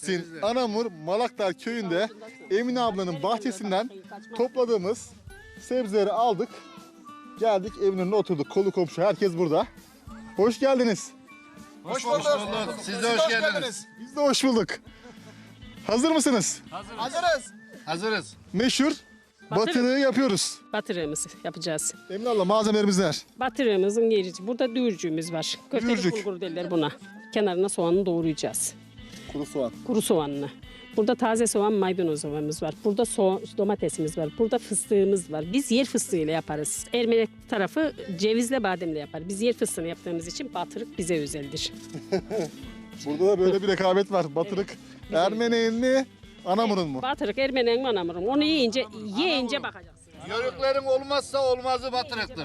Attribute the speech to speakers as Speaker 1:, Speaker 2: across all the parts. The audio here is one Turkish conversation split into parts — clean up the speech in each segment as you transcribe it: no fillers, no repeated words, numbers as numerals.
Speaker 1: Mersin, Anamur, Malaktar köyünde Emine ablanın bahçesinden topladığımız sebzeleri aldık. Geldik evin önüne oturduk. Kolu komşu herkes burada. Hoş geldiniz.
Speaker 2: Hoş bulduk. Siz de hoş geldiniz.
Speaker 1: Biz de hoş bulduk. Hazır mısınız?
Speaker 2: Hazırız.
Speaker 1: Meşhur batırığı yapıyoruz.
Speaker 3: Batırığımızı yapacağız.
Speaker 1: Emine abla malzemelerimiz neler?
Speaker 3: Batırığımızın yeri, burada düğürcüğümüz var. Köfteli
Speaker 1: Düğürcük.
Speaker 3: bulgur derler buna. Kenarına soğanını doğrayacağız.
Speaker 1: Kuru soğan.
Speaker 3: Kuru soğanını. Burada taze soğan, maydanozumuz var. Burada domatesimiz var. Burada fıstığımız var. Biz yer fıstığıyla yaparız. Ermeni tarafı cevizle bademle yapar. Biz yer fıstığını yaptığımız için batırık bize özeldir.
Speaker 1: Burada da böyle bir rekabet var. Batırık Ermeni'nin mi, Anamur'un mu?
Speaker 3: Batırık Ermeni'nin anamırım. Onu yiyince bakacaksın.
Speaker 2: Yörüklerin olmazsa olmazı batırıktır.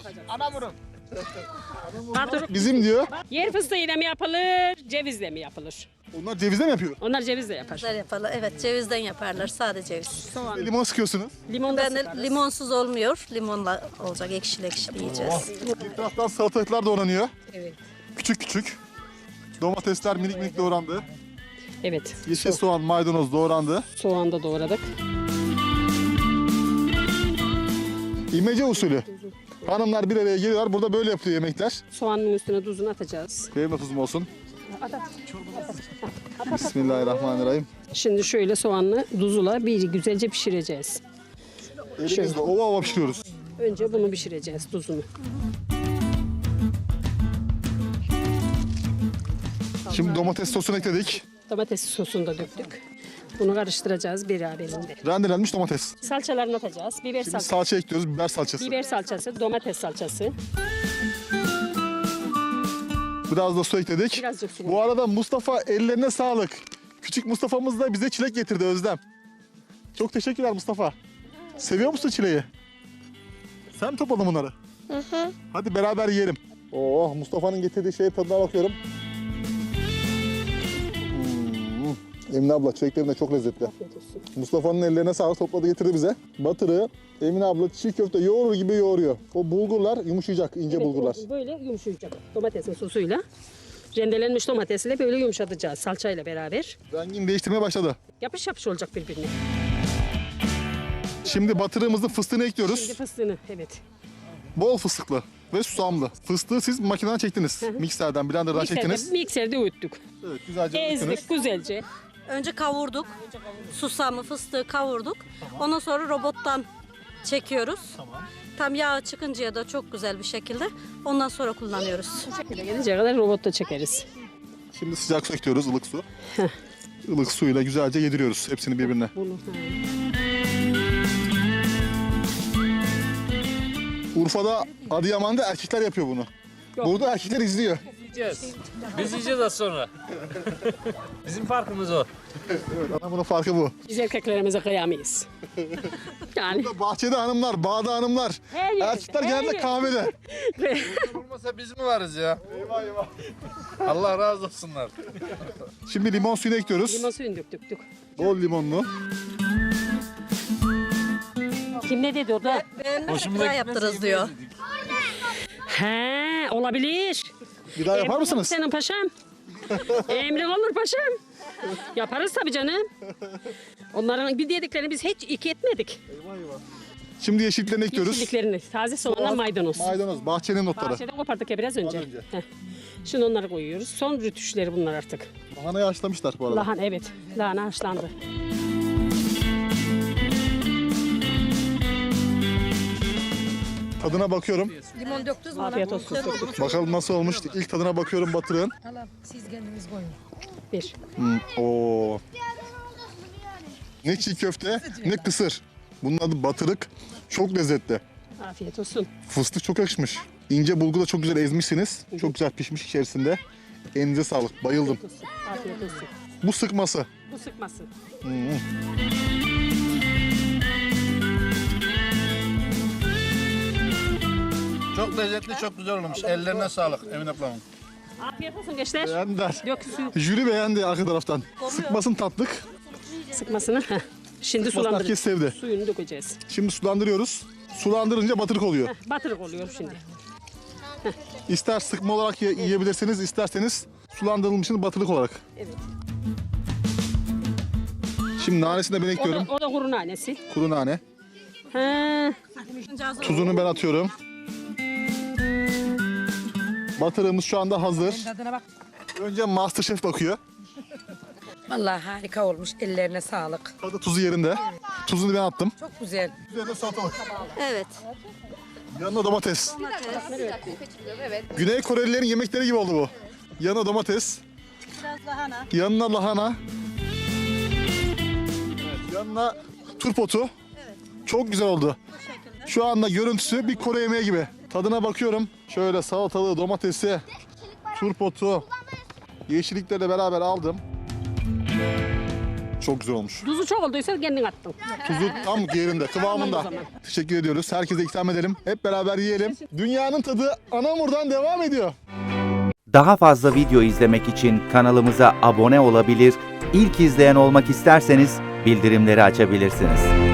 Speaker 3: Batırık
Speaker 1: Bizim diyor.
Speaker 3: yer fıstığıyla mı yapılır, cevizle mi yapılır?
Speaker 1: Onlar cevizle mi yapıyor?
Speaker 3: Onlar cevizle yapar.
Speaker 4: Güzel yaparlar. Evet, cevizden yaparlar. Sade ceviz.
Speaker 3: Soğan.
Speaker 1: Limon sıkıyorsunuz.
Speaker 3: Limon da
Speaker 4: Ben de
Speaker 3: sıkarız.
Speaker 4: limonsuz olmuyor. Limonla olacak. Ekşili ekşili yiyeceğiz.
Speaker 1: Bir taraftan salatalıklar doğranıyor.
Speaker 3: Evet.
Speaker 1: Küçük küçük. Domatesler minik minik doğrandı.
Speaker 3: Evet.
Speaker 1: Yeşil soğan, maydanoz doğrandı.
Speaker 3: Soğan da doğradık.
Speaker 1: İmece usulü. Hanımlar bir araya geliyorlar. Burada böyle yapılıyor yemekler.
Speaker 3: Soğanın üstüne tuzunu atacağız.
Speaker 1: Benim de tuzum olsun. Bismillahirrahmanirrahim.
Speaker 3: Şimdi şöyle soğanlı tuzla bir güzelce pişireceğiz.
Speaker 1: Elimizle ova ova pişiriyoruz.
Speaker 3: Önce bunu pişireceğiz tuzunu.
Speaker 1: Şimdi domates sosunu ekledik.
Speaker 3: Domates sosunu da döktük. Bunu karıştıracağız beraberinde.
Speaker 1: Rendelenmiş domates.
Speaker 3: Salçalarını atacağız. Biber
Speaker 1: Şimdi
Speaker 3: salçası.
Speaker 1: salça ekliyoruz. Biber salçası.
Speaker 3: Biber salçası, domates salçası.
Speaker 1: Biraz da su ekledik.
Speaker 3: Birazcık su.
Speaker 1: Bu arada Mustafa ellerine sağlık. Küçük Mustafa'mız da bize çilek getirdi Özlem. Çok teşekkürler Mustafa. Seviyor musun çileği? Sen mi topladın bunları? Hı. Hadi beraber yiyelim. Oh, Mustafa'nın getirdiği şeye tadına bakıyorum. Emine abla çileklerin de çok lezzetli.
Speaker 3: Afiyet olsun.
Speaker 1: Mustafa'nın ellerine sağlık, topladı getirdi bize. Batırı Emine abla çiğ köfte yoğurur gibi yoğuruyor. O bulgurlar yumuşayacak, ince
Speaker 3: Evet,
Speaker 1: bulgurlar.
Speaker 3: o böyle yumuşayacak. Domatesin sosuyla. Rendelenmiş domatesiyle böyle yumuşatacağız salçayla beraber.
Speaker 1: Rengini değiştirmeye başladı.
Speaker 3: Yapış yapış olacak birbirine.
Speaker 1: Şimdi batırığımızın fıstığını ekliyoruz.
Speaker 3: Şimdi fıstığını, evet.
Speaker 1: Bol fıstıklı ve susamlı. Fıstığı siz makineden çektiniz. Mikserden, blenderdan çektiniz.
Speaker 3: Mikserde öğüttük.
Speaker 1: Evet, güzelce öğüttünüz.
Speaker 3: Ezdik güzelce.
Speaker 4: Önce kavurduk. Susamı, fıstığı kavurduk. Ondan sonra robottan çekiyoruz. Tam yağ çıkıncaya da çok güzel bir şekilde. Ondan sonra kullanıyoruz.
Speaker 3: Gelince kadar robotta çekeriz.
Speaker 1: Şimdi sıcak su ekliyoruz, ılık su. Ilık suyla güzelce yediriyoruz hepsini birbirine.
Speaker 3: Bunu.
Speaker 1: Urfa'da, Adıyaman'da erkekler yapıyor bunu. Burada erkekler izliyor.
Speaker 5: Biz yiyeceğiz az sonra. Bizim farkımız o.
Speaker 1: Evet, ama bunun farkı bu.
Speaker 3: Biz erkeklerimize kıyamayız. Yani
Speaker 1: Burada bahçede hanımlar, bağda hanımlar.
Speaker 3: Her yerde,
Speaker 1: Erkekler
Speaker 3: her
Speaker 1: genelde
Speaker 3: yerde.
Speaker 1: kahvede.
Speaker 2: Olmasa biz mi varız ya?
Speaker 1: Eyvah eyvah.
Speaker 2: Allah razı olsunlar.
Speaker 1: Şimdi limon suyunu ekliyoruz.
Speaker 3: limon suyunu döktük.
Speaker 1: Bol limonlu.
Speaker 3: Kim ne dedi orada?
Speaker 4: Güzel yaptırız diyor.
Speaker 3: He, olabilir.
Speaker 1: Bir daha yapar
Speaker 3: Emrin
Speaker 1: mısınız?
Speaker 3: olur senin paşam. Emrin olur paşam. Yaparız tabii canım. Onların bir dediklerini biz hiç iki etmedik.
Speaker 1: Şimdi yeşilliklerini ekliyoruz.
Speaker 3: Yeşilliklerini, taze soğanla maydanoz.
Speaker 1: Maydanoz, bahçenin otları.
Speaker 3: Bahçeden kopardık ya biraz önce.
Speaker 1: Az önce.
Speaker 3: Heh. Şimdi onları koyuyoruz. Son rütüşleri bunlar artık.
Speaker 1: Lahanayı haşlamışlar bu arada.
Speaker 3: Lahana, evet. Lahana haşlandı.
Speaker 1: Tadına bakıyorum.
Speaker 6: Limon döktünüz mü?
Speaker 3: Afiyet olsun.
Speaker 1: Bakalım nasıl olmuş. İlk tadına bakıyorum batırığın.
Speaker 6: Hala siz kendiniz koyun.
Speaker 3: Bir.
Speaker 1: Oo. Ne çiğ köfte, ne kısır. Bunun adı batırık. Çok lezzetli.
Speaker 3: Afiyet olsun.
Speaker 1: Fıstık çok yakışmış. İnce bulgu da çok güzel ezmişsiniz. Çok güzel pişmiş içerisinde. Elinize sağlık. Bayıldım.
Speaker 3: Afiyet olsun.
Speaker 1: Bu sıkması.
Speaker 3: Bu sıkması.
Speaker 2: Çok lezzetli, çok güzel olmuş. Ellerine sağlık Emine ablamın.
Speaker 3: Afiyet olsun gençler.
Speaker 1: Beğendiler.
Speaker 3: Dök suyu.
Speaker 1: Jüri beğendi arka taraftan. Sıkmasın tatlık.
Speaker 3: Sıkmasını. Heh. Şimdi
Speaker 1: Sıkmasını herkes sevdi.
Speaker 3: Suyunu dökeceğiz.
Speaker 1: Şimdi sulandırıyoruz. Sulandırınca batırık oluyor.
Speaker 3: Batırık oluyor şimdi.
Speaker 1: İster sıkma olarak yiyebilirsiniz, isterseniz sulandırılmışını batırık olarak.
Speaker 3: Evet.
Speaker 1: Şimdi nanesini de ben ekliyorum.
Speaker 3: O da kuru nanesi.
Speaker 1: Kuru nane.
Speaker 3: Ha,
Speaker 1: Tuzunu ben atıyorum. Batırığımız şu anda hazır.
Speaker 6: Tadına bak.
Speaker 1: Önce Masterchef bakıyor.
Speaker 6: Vallahi harika olmuş. Ellerine sağlık.
Speaker 1: Tadı tuzu yerinde. Tuzunu ben attım.
Speaker 6: Çok güzel.
Speaker 1: Üzerine salatalık.
Speaker 4: Evet.
Speaker 1: Yanına domates. Güney Korelilerin yemekleri gibi oldu bu. Yanına domates.
Speaker 4: Biraz lahana.
Speaker 1: Yanına lahana. Yanına turpotu. Çok güzel oldu. Şu anda görüntüsü bir Kore yemeği gibi. Tadına bakıyorum. Şöyle salatalığı, domatesi, turpotu, yeşilliklerle beraber aldım. Çok güzel olmuş.
Speaker 3: tuzu çok olduysa kendin attın.
Speaker 1: Tuzu tam yerinde, kıvamında.
Speaker 3: Tamam o zaman.
Speaker 1: Teşekkür ediyoruz. Herkese ikram edelim. Hep beraber yiyelim. Dünyanın tadı Anamur'dan devam ediyor.
Speaker 7: Daha fazla video izlemek için kanalımıza abone olabilir, ilk izleyen olmak isterseniz bildirimleri açabilirsiniz.